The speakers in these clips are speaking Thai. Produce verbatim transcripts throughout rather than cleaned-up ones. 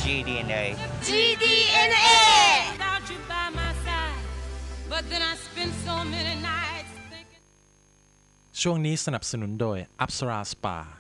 จี ดี เอ็น เอจี ดี เอ็น เอช่วงนี้สนับสนุนโดยอัปสราสปา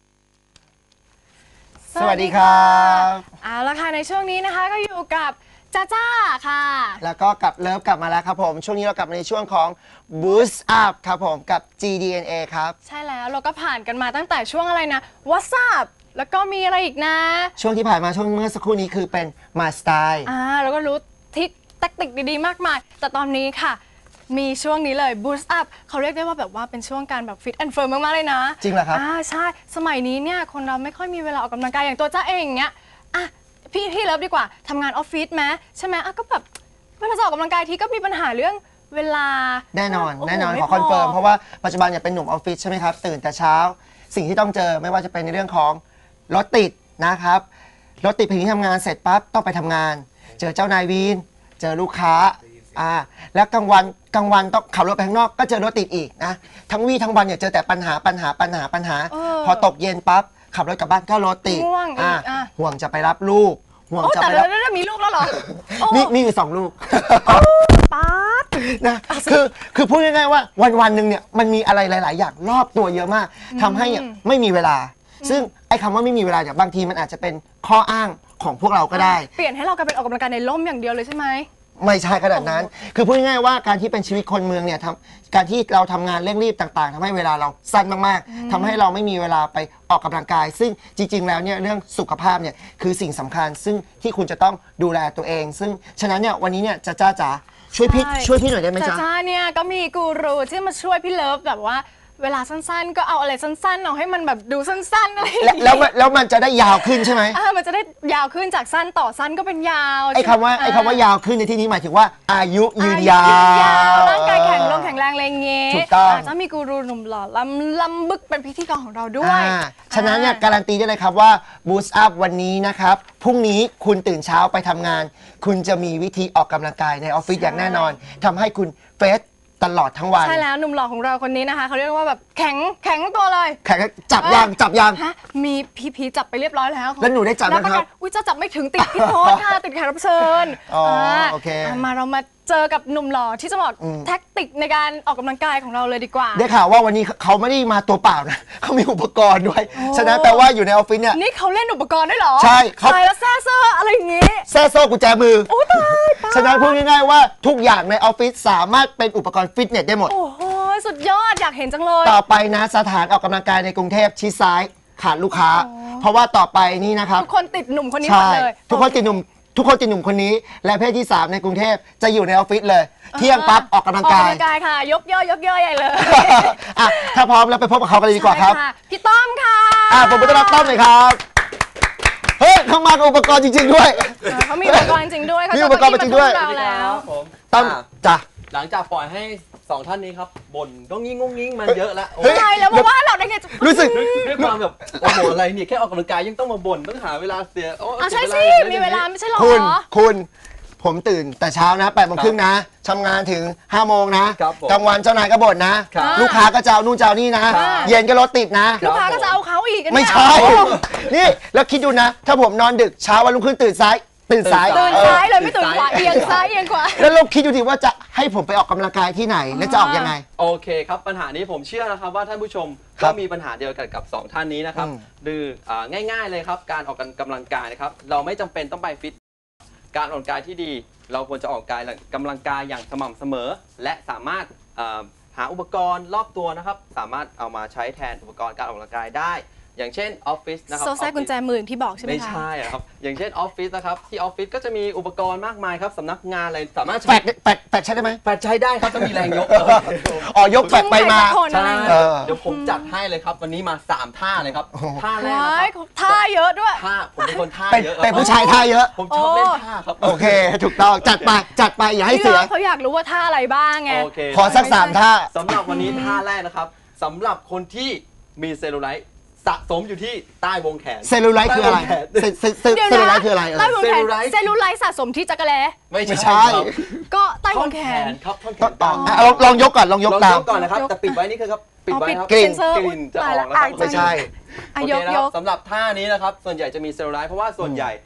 สวัสดีครับเอาละค่ะในช่วงนี้นะคะก็อยู่กับจ้าจ้าค่ะแล้วก็กับเลิฟกลับมาแล้วครับผมช่วงนี้เรากลับมาในช่วงของ Boost Up ครับผมกับ จี ดี เอ็น เอ ครับใช่แล้วเราก็ผ่านกันมาตั้งแต่ช่วงอะไรนะ What's Up แล้วก็มีอะไรอีกนะช่วงที่ผ่านมาช่วงเมื่อสักครู่นี้คือเป็น My Style อ่าแล้วก็รู้ทิศแทคติกดีๆมากมายแต่ตอนนี้ค่ะมีช่วงนี้เลย Boost Up เขาเรียกได้ว่าแบบว่าเป็นช่วงการแบบ Fit and Firm มากๆเลยนะจริงเหรอครับอ่าใช่สมัยนี้เนี่ยคนเราไม่ค่อยมีเวลาออกกำลังกายอย่างตัวจ้าเองอย่างเงี้ยอ่ะพี่พี่เลิฟดีกว่าทำงานออฟฟิศไหมใช่ไหมอ่ะก็แบบเวลาจะออกกำลังกายทีก็มีปัญหาเรื่องเวลาแน่นอนแน่นอนขอคอนเฟิร์มเพราะว่าปัจจุบันเนี่ยเป็นหนุ่มออฟฟิศใช่ไหมครับตื่นแต่เช้าสิ่งที่ต้องเจอไม่ว่าจะเป็นในเรื่องของรถติดนะครับรถติดถึงที่ทำงานเสร็จปั๊บต้องไปทำงานเจอเจ้านายวีนเจอลูกค้าอ่าแล้วกลางวันกลางวันต้องขับรถไปข้างนอกก็เจอรถติดอีกนะทั้งวี่ทั้งวันเนี่ยเจอแต่ปัญหาปัญหาปัญหาปัญหาพอตกเย็นปั๊บขับรถกลับบ้านก็รถติดอ่าห่วงจะไปรับลูกห่วงจะไปรับแต่มีลูกแล้วเหรอมีมีอยู่สองลูกป๊าดนะคือคือพูดง่ายๆว่าวันวันหนึ่งเนี่ยมันมีอะไรหลายๆอย่างรอบตัวเยอะมากทำให้ไม่มีเวลาซึ่งไอ้คำว่าไม่มีเวลาเนี่ยบางทีมันอาจจะเป็นข้ออ้างของพวกเราก็ได้เปลี่ยนให้เรากลายเป็นออกกำลังกายในร่มอย่างเดียวเลยใช่ไหมไม่ใช่ขนาดนั้นคือพูดง่ายๆว่าการที่เป็นชีวิตคนเมืองเนี่ยทำการที่เราทำงานเร่งรีบต่างๆทำให้เวลาเราสั้นมากๆทำให้เราไม่มีเวลาไปออกกำลังกายซึ่งจริงๆแล้วเนี่ยเรื่องสุขภาพเนี่ยคือสิ่งสำคัญซึ่งที่คุณจะต้องดูแลตัวเองซึ่งฉะนั้นเนี่ยวันนี้เนี่ยจ้าจ้าจ๋าช่วยพี่ช่วยพี่หน่อยได้ไหมจ๊ะจ้าเนี่ยก็มีกูรูที่มาช่วยพี่เลิฟแบบว่าเวลาสั้นๆก็เอาอะไรสั้นๆเอาให้มันแบบดูสั้นๆอะไรแล้วแล้วมันจะได้ยาวขึ้นใช่ไหมอ่ามันจะได้ยาวขึ้นจากสั้นต่อสั้นก็เป็นยาวไอ้คำว่าไอ้คำว่ายาวขึ้นในที่นี้หมายถึงว่าอายุยืนยาวร่างกายแข็งแรงแข็งแรงอะไรเงี้ยถูกต้องจะมีกูรูหนุ่มหล่อลำลำบึกเป็นพิธีกรของเราด้วยฉะนั้นเนี่ยการันตีได้เลยครับว่า Boost Up วันนี้นะครับพรุ่งนี้คุณตื่นเช้าไปทำงานคุณจะมีวิธีออกกำลังกายในออฟฟิศอย่างแน่นอนทำให้คุณเฟสตลอดทั้งวันใช่แล้วหนุ่มหล่อของเราคนนี้นะคะเขาเรียกว่าแบบแข็งแข็งตัวเลยแข็งจับยางจับยางฮะมีพีพีจับไปเรียบร้อยแล้วแล้วหนูได้จับไหมครับอุ้ยจะจับไม่ถึงติดพี่โทษค่ะติดแขกรับเชิญอ๋อโอเคมาเรามาเจอกับหนุ่มหล่อที่จะบอกแท็กติกในการออกกำลังกายของเราเลยดีกว่าได้ข่าวว่าวันนี้เขาไม่ได้มาตัวเปล่านะเขามีอุปกรณ์ด้วยฉะนั้นแปลว่าอยู่ในออฟฟิศเนี่ยนี่เขาเล่นอุปกรณ์ด้วยเหรอใช่เขาใช่แล้วแซ่โซ่อะไรอย่างงี้แซ่โซ่กุญแจมือโอ้ตายฉะนั้นพูดง่ายๆว่าทุกอย่างในออฟฟิศสามารถเป็นอุปกรณ์ฟิตเนสได้หมดโอ้โหสุดยอดอยากเห็นจังเลยต่อไปนะสถานออกกำลังกายในกรุงเทพชิดซ้ายขาดลูกค้าเพราะว่าต่อไปนี่นะครับทุกคนติดหนุ่มคนนี้หมดเลยทุกคนติดหนุ่มทุกคนติดหนุ่มคนนี้และเพศที่สามในกรุงเทพจะอยู่ในออฟฟิศเลยเที่ยงปั๊บออกกำลังกายออกกำลังกายค่ะยกย่อยกย่อยใหญ่เลยอ่ะถ้าพร้อมแล้วไปพบกับเขากันเลยดีกว่าครับพี่ต้อมค่ะอ่ะผมต้อนรับต้อมเลยครับเฮ้ยเขามากับอุปกรณ์จริงๆด้วยเขามีอุปกรณ์จริงด้วยมีอุปกรณ์จริงด้วยแล้วต้อมจ้ะหลังจากปล่อยให้สองท่านนี้ครับบ่นก็งิ้งงงงิ้งมันเยอะแล้วใช่แล้วมาว่าเราได้ไงรู้สึกด้วยความแบบโอ้โหอะไรเนี่ยแค่ออกกำลังกายยังต้องมาบ่นต้องหาเวลาเสียอ๋อใช่สิมีเวลาไม่ใช่หรอคุณคุณผมตื่นแต่เช้านะแปดโมงครึ่งนะทำงานถึงห้าโมงนะกลางวันเจ้านายก็บ่นนะลูกค้าก็จะเอานู่นจะเอานี่นะเย็นก็รถติดนะลูกค้าก็จะเอาเขาอีกไม่ใช่นี่แล้วคิดดูนะถ้าผมนอนดึกเช้าวันรุ่งขึ้นตื่นสายตื่นสายตื่นซ้ายเลยไม่ตื่นขวาเอียงซ้ายเอียงขวาแล้วเราคิดดูดิว่าจะให้ผมไปออกกำลังกายที่ไหนและจะออกยังไงโอเคครับปัญหานี้ผมเชื่อนะครับว่าท่านผู้ชมก็มีปัญหาเดียวกันกับสองท่านนี้นะครับคือง่ายๆเลยครับการออกกำลังกายนะครับเราไม่จำเป็นต้องไปฟิตการออกกำลังกายที่ดีเราควรจะออกกำลังกายอย่างสม่ำเสมอและสามารถหาอุปกรณ์รอบตัวนะครับสามารถเอามาใช้แทนอุปกรณ์การออกกำลังกายได้อย่างเช่นออฟฟิศนะครับโซ่แทรกกุญแจมือที่บอกใช่ไหมคะไม่ใช่ครับอย่างเช่นออฟฟิศนะครับที่ออฟฟิศก็จะมีอุปกรณ์มากมายครับสำนักงานอะไรสามารถแปดแปดแปดใช้ได้ไหมแปดใช้ได้ครับต้องมีแรงยกอ๋อยกแปดไปมาใช่เดี๋ยวผมจัดให้เลยครับวันนี้มาสามท่าเลยครับท่าแรกท่าเยอะด้วยท่าผมเป็นคนท่าเยอะเป็นผู้ชายท่าเยอะผมชอบเล่นท่าครับโอเคถูกต้องจัดไปจัดไปอย่าให้เสียเขาอยากรู้ว่าท่าอะไรบ้างไงขอสักสามท่าสำหรับวันนี้ท่าแรกนะครับสำหรับคนที่มีเซลลูไลท์สะสมอยู่ที่ใต้วงแขนเซลลูไลท์คืออะไรเซลลูไลท์คืออะไรใต้วงแขนเซลลูไลท์สะสมที่จักรแลไม่ใช่ก็ใต้วงแขนครับท่อนแขนต่อลองยกก่อนลองยกตามก่อนนะครับแต่ปิดไว้นี่คือครับปิดไว้ครับกลิ่นกลิ่นจะออกแล้วไม่ใช่โอเคนะครับสำหรับท่านี้นะครับส่วนใหญ่จะมีเซลลูไลท์เพราะว่าส่วนใหญ่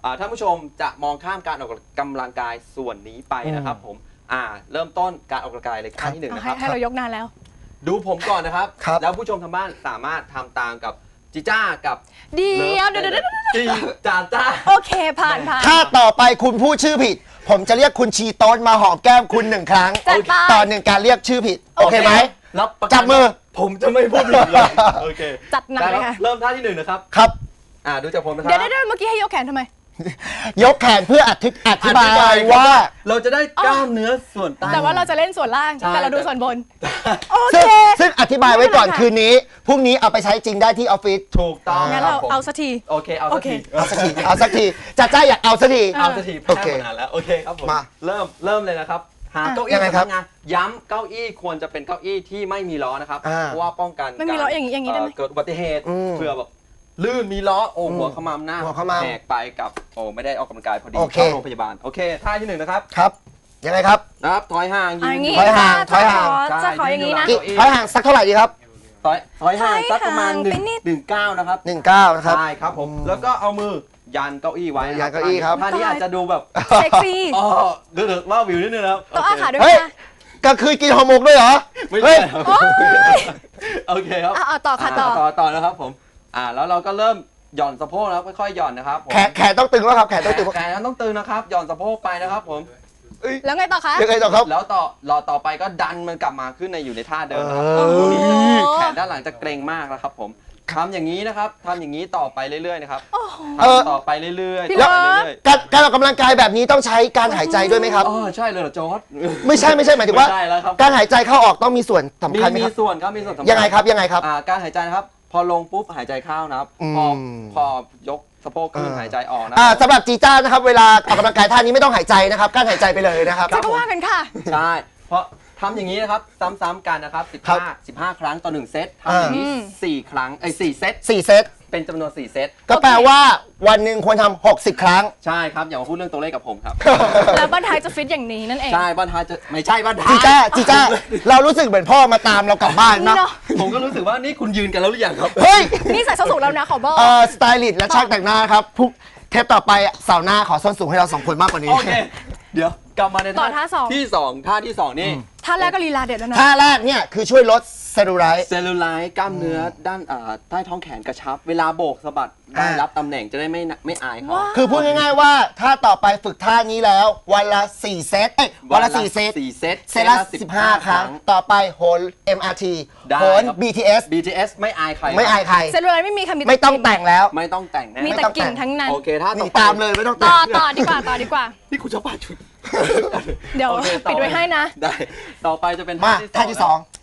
อ่าท่านผู้ชมจะมองข้ามการออกกำลังกายส่วนนี้ไปนะครับผมอ่าเริ่มต้นการออกกำลังกายเลยขั้นที่หนึ่งเอานะคให้รับให้เรายกนานแล้วดูผมก่อนนะครับครับแล้วผู้ชมทางบ้านสามารถทำตามกับจิจ้ากับเดียวลิเดี๋ยวฟเดี๋ยวเดี๋ยวจีจาจ้าโอเคผ่านผ่านถ้าต่อไปคุณพูดชื่อผิด ผมจะเรียกคุณชีโต้นมาหอมแก้มคุณหนึ่งครั้งจัดไปต่อหนึ่งการเรียกชื่อผิด โอเคไหมรับประกันจับมือผมจะไม่พูดผิดเลยโอเคจัดหนักเลยได้ครัค่ะบเริ่มท่าที่หนึ่งนะครับครับอ่าดูจากผมนะครัเดี๋ยวเดี๋ยวเดี๋ยวเมื่อกี้ให้ยกแขนทำไมยกแขนเพื่ออธิอธิบายว่าเราจะได้กล้ามเนื้อส่วนใต้แต่ว่าเราจะเล่นส่วนล่างใช่แต่เราดูส่วนบน โอเคซึ่งซึ่งอธิบายไว้ก่อนไม่เป็นไรค่ะคืนนี้ พรุ่งนี้เอาไปใช้จริงได้ที่ออฟฟิศถูกต้องงั้นคเราบผมเอาสักทีโอเคเอาสักทีเอาสักที เอาสักทีจัดจ้าอยากเอาสักทีเอาสักทีโอเคแพ้มานานแล้วโอเคครับผมมาเริ่มเริ่มเลยนะครับหาอ่ะเก้ายัอี้งไงครับสำนักงานย้ำเก้าอี้ควรจะเป็นเก้าอี้ที่ไม่มีล้อนะครับอ่าเพราะว่าป้องกันไม่มีล้ออย่างนี้อย่างนี้ได้ไหมเเกิดอุบัติเหตุอืมเผื่อแบบลื่นมีล้อโอ้อืมหัวขมำหน้าหัวขมำแหกไปกับโอ้ไม่ได้ออกกำลังกายพอดีโอเคเข้าโรงพยาบาลโอเคท่าที่หนึ่งนะครับครับ ยังไงครับนะครับถอยห่างเอาอย่างนี้ถอยห่างจะถอยห่างจะขอจะขออย่างนี้นะใช่อีกถอยห่างสักเท่าไหร่ดีครับถอยถอยห่างถอยสักประมาณห่างหนึ่ไปงนิดหนึ่งเก้านะครับหนึ่งเก้านะครับใช่ครับผมแล้วก็เอามือยันเก้าอี้ไว้ะยันเก้าอี้ครับท่านี้อาจจะดูแบบเซ็กซี่อ๋อเดือดว่าวิวนิดนึงนะครับต้องอาขาด้วยเฮ้ยนะกลางคืนกินห่อหมกด้วยเหรอไม่เฮ้ใช่ยครับโอ๊ยโอเคครับอ่ะเอาต่อค่ะต่อต่อต่อนะครับผมอ่าแล้วเราก็เริ่มหย่อนสะโพกแล้วค่อยๆหย่อนนะครับผมแขนแขนต้องตึงแล้วครับ แขนแขต้องนตึงแขนต้องตึงนะครับหย่อนสะโพกไปนะครับผมแล้วไงต่อคะยังไงต่อครับแล้วต่อรอต่อไปก็ดันมันกลับมาขึ้นในอยู่ในท่าเดิมนะครับเออตรงนี้โอ้โหแขนด้านหลังจะเกร็งมากนะครับผมทำอย่างนี้นะครับทำอย่างนี้ต่อไปเรื่อยๆนะครับโอ้โหเออทำต่อไปเรื่อยๆพี่ต่อไปเลิฟเรื่อยการการออกกำลังกายแบบนี้ต้องใช้การหายใจด้วยไหมครับๆอ๋อใช่เลยเหรอจอร์ดไม่ใช่ไม่ใช่หมายถึงว่าไม่ใช่แล้วครับการหายใจเข้าออกต้องมีส่วนสำมีคัญไหมมีครับส่วนครับมีส่วนสำคัญยังไงครับยังไงครับอ่าการหายใจนะครับ พอลงปุ๊บหายใจเข้านะครับอืมพอพอยกสะโพกขึ้นเออหายใจออกนะอ่าสำหรับจีจ้านะครับเวลาออกกำลังกายท่านี้ไม่ต้องหายใจนะครับการหายใจไปเลยนะครับจะก็ว่ากันค่ะใช่ เพราะทำอย่างนี้นะครับซ้ำๆกันนะครับครับสิบห้า สิบห้า ครั้งต่อหนึ่งเซตทำอย่างนี้อืมสี่ครั้งไอ้ยสี่เซตสี่เซตเป็นจำนวนสี่เซตก็แปลว่าวันหนึ่งควรทำหกสิบครั้งใช่ครับอย่ามาพูดเรื่องตัวเลขกับผมครับแล้วบ้านท้ายจะฟิตอย่างนี้นั่นเองใช่บ้านท้ายจะไม่ใช่บ้านท้ายจีจ้าจีจ้าเรารู้สึกเหมือนพ่อมาตามเรากลับบ้านนี่นะเนาะผมก็รู้สึกว่านี่คุณยืนกันแล้วหรือยังครับเฮ้ยนี่ใส่ส้นสูงแล้วนะขอบอกเอ่อสไตลิสต์และช่างแต่งหน้าครับพรุ่งเทปต่อไปเสาร์หน้าขอส้นสูงให้เราสองคนมากกว่านี้โอเค เดี๋ยวกลับมาในต่อท่าสองที่สองท่าที่สองนี่ท่าแรกก็ลีลาเด็ดแล้วนะท่าแรกเนี่ยคือช่วยลดเซลลูไลท์เซลลูไลท์กล้ามเนื้อด้านอ่าใต้ท้องแขนกระชับ เวลาโบกสะบัดได้อ่ารัรับตำแหน่งจะได้ไม่น่ะไม่อายเขาว้าวคือพูดง่ายๆว่าถ้าต่อไปฝึกท่านี้แล้ว วันละสี่เซตเอ้ยวันละสี่เซตสี่เซตเซตละสิบห้าครั้ง ต่อไปโหน เอ็ม อาร์ ทีได้โหนครับบี ที เอสบี ที เอส ไม่อายใครไม่อายใครเซลลูไลท์ไม่มีค่ะมีไม่ต้องแต่งแล้วไม่ต้องแต่งแน่มีแต่กิ่งทั้งนั้นโอเคท่าหต่นีอไปตามเลยไม่ต้องแต่ต่อง ต่อดีกว่าต่อดีกว่านี่คุณชอบป่าชุดเดี๋ยวโอคต่อปิดไว้ให้นะได้ ต่อไปจะเป็นมาท่าที่สองท่าที่สอง